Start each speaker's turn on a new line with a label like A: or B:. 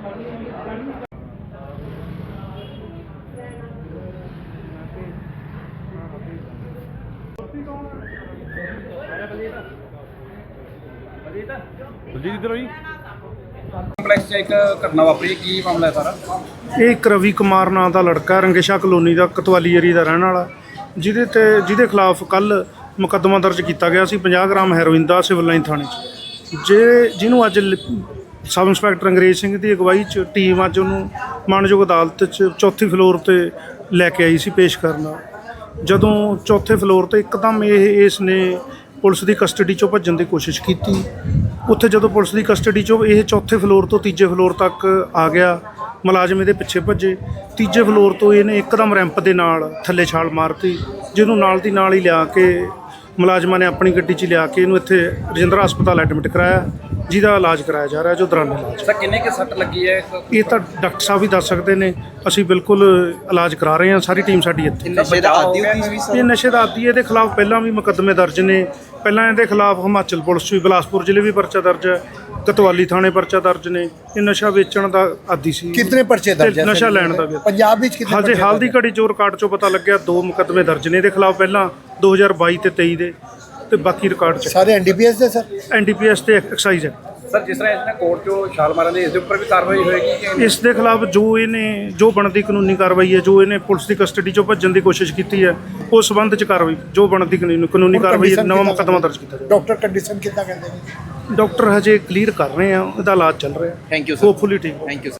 A: Complex 'ਚ ਇੱਕ ਘਟਨਾ ਵਾਪਰੀ, ਕੀ ਮਾਮਲਾ ਹੈ ਸਾਰਾ?
B: ਇਹ ਇੱਕ ਰਵੀ ਕੁਮਾਰ ਨਾਂ ਦਾ ਲੜਕਾ ਰੰਗੇਸ਼ਾ ਕਲੋਨੀ ਦਾ ਕਤਵਾਲੀ ਏਰੀਆ ਦਾ ਰਹਿਣ ਵਾਲਾ, ਜਿਹਦੇ ਖਿਲਾਫ ਕੱਲ੍ਹ ਮੁਕੱਦਮਾ ਦਰਜ ਕੀਤਾ ਗਿਆ ਸੀ 50 ਗ੍ਰਾਮ ਹੈਰੋਇਨ ਦਾ ਸਿਵਲ ਲਾਈਨ ਥਾਣੇ 'ਚ। ਜਿਹਨੂੰ ਅੱਜ ਸਬ ਇੰਸਪੈਕਟਰ ਅੰਗਰੇਜ਼ ਸਿੰਘ ਦੀ ਅਗਵਾਈ 'ਚ ਟੀਮ ਅੱਜ ਉਹਨੂੰ ਮਾਣਯੋਗ ਅਦਾਲਤ 'ਚ ਚੌਥੀ ਫਲੋਰ 'ਤੇ ਲੈ ਕੇ ਆਈ ਸੀ ਪੇਸ਼ ਕਰਨ। ਜਦੋਂ ਚੌਥੇ ਫਲੋਰ 'ਤੇ ਇੱਕਦਮ ਇਸ ਨੇ ਪੁਲਿਸ ਦੀ ਕਸਟਡੀ 'ਚੋਂ ਭੱਜਣ ਦੀ ਕੋਸ਼ਿਸ਼ ਕੀਤੀ। ਉੱਥੇ ਜਦੋਂ ਪੁਲਿਸ ਦੀ ਕਸਟਡੀ 'ਚੋਂ ਇਹ ਚੌਥੇ ਫਲੋਰ ਤੋਂ ਤੀਜੇ ਫਲੋਰ ਤੱਕ ਆ ਗਿਆ, ਮੁਲਾਜ਼ਮ ਇਹਦੇ ਪਿੱਛੇ ਭੱਜੇ। ਤੀਜੇ ਫਲੋਰ ਤੋਂ ਇਹਨੇ ਇੱਕਦਮ ਰੈਂਪ ਦੇ ਨਾਲ ਥੱਲੇ ਛਾਲ ਮਾਰਤੀ, ਜਿਹਨੂੰ ਨਾਲ ਦੀ ਨਾਲ ਹੀ ਲਿਆ ਕੇ ਮੁਲਾਜ਼ਮਾਂ ਨੇ ਆਪਣੀ ਗੱਡੀ 'ਚ ਲਿਆ ਕੇ ਇਹਨੂੰ ਇੱਥੇ ਰਜਿੰਦਰਾ ਹਸਪਤਾਲ ਐਡਮਿਟ ਕਰਾਇਆ, ਜਿਹਦਾ ਇਲਾਜ ਕਰਾਇਆ ਜਾ ਰਿਹਾ ਜੋ ਦੌਰਾਨੇ ਇਲਾਜ।
A: ਸਰ ਕਿੰਨੇ ਕੁ ਸੱਟ ਲੱਗੀ ਹੈ?
B: ਇਹ ਤਾਂ ਡਾਕਟਰ ਸਾਹਿਬ ਵੀ ਦੱਸ ਸਕਦੇ ਨੇ, ਅਸੀਂ ਬਿਲਕੁਲ ਇਲਾਜ ਕਰਾ ਰਹੇ ਹਾਂ, ਸਾਰੀ ਟੀਮ ਸਾਡੀ ਇੱਥੇ।
A: ਨਸ਼ੇ ਦਾ ਆਦੀ ਹੋਈ ਸੀ?
B: ਇਹ ਨਸ਼ੇ ਦਾ ਆਦੀ, ਇਹਦੇ ਖਿਲਾਫ ਪਹਿਲਾਂ ਵੀ ਮੁਕੱਦਮੇ ਦਰਜ ਨੇ। ਪਹਿਲਾਂ ਇਹਦੇ ਖਿਲਾਫ ਹਿਮਾਚਲ ਪੁਲਿਸ 'ਚ ਵੀ ਬਿਲਾਸਪੁਰ ਜ਼ਿਲ੍ਹੇ ਵੀ ਪਰਚਾ ਦਰਜ ਹੈ, ਕਤਵਾਲੀ ਥਾਣੇ ਪਰਚਾ ਦਰਜ ਨੇ। ਇਹ ਨਸ਼ਾ ਵੇਚਣ ਦਾ ਆਦੀ ਸੀ।
C: ਕਿੰਨੇ ਪਰਚੇ ਦਰਜ ਹੈ?
B: ਨਸ਼ਾ ਲੈਣ ਦਾ ਵੀ
C: ਪੰਜਾਬ ਵਿੱਚ ਕਿੰਨੇ?
B: ਹਜੇ ਹਾਲ ਦੀ ਘੜੀ ਚੋਂ ਰਿਕਾਰਡ 'ਚੋਂ ਪਤਾ ਲੱਗਿਆ 2 ਮੁਕੱਦਮੇ ਦਰਜ ਨੇ ਇਹਦੇ ਖਿਲਾਫ, ਪਹਿਲਾਂ 2022 ਤੇ 23 ਦੇ, ਤੇ ਬਾਕੀ ਰਿਕਾਰਡ 'ਚ
C: ਸਾਰੇ ਐਨਡੀਪੀਐਸ ਦੇ ਸਰ?
B: ਐਨਡੀਪੀਐਸ ਤੇ ਐਕਸਾਈਜ਼ ਹੈ।
A: ਸਰ ਜਿਸ ਤਰ੍ਹਾਂ ਇਸਨੇ ਕੋਰਟ 'ਚੋਂ ਛਾਲ ਮਾਰਨ ਦੀ, ਇਸ ਦੇ ਉੱਪਰ ਵੀ ਕਾਰਵਾਈ ਹੋਏਗੀ ਕਿ
B: ਇਸ ਦੇ ਖਿਲਾਫ ਜੋ ਬਣਦੀ ਕਾਨੂੰਨੀ ਕਾਰਵਾਈ ਹੈ, ਜੋ ਇਹਨੇ ਪੁਲਿਸ ਦੀ ਕਸਟਡੀ 'ਚੋਂ ਭੱਜਣ ਦੀ ਕੋਸ਼ਿਸ਼ ਕੀਤੀ ਹੈ, ਉਸ ਸੰਬੰਧ 'ਚ ਕਾਰਵਾਈ ਜੋ ਬਣਦੀ ਕਾਨੂੰਨੀ ਕਾਰਵਾਈ, ਨਵਾਂ ਮੁਕੱਦਮਾ ਦਰਜ ਕੀਤਾ ਜਾਵੇ।
C: ਡਾਕਟਰ ਕੰਡੀਸ਼ਨ ਕਿੱਦਾਂ ਕਹਿੰਦੇ ਨੇ?
B: ਡਾਕਟਰ ਹਜੇ ਕਲੀਅਰ ਕਰ ਰਹੇ ਆ, ਇਹਦਾ ਇਲਾਜ ਚੱਲ ਰਿਹਾ।
A: Thank you sir.
B: ਹੋਪਫੁਲੀ ਠੀਕ।
A: Thank you.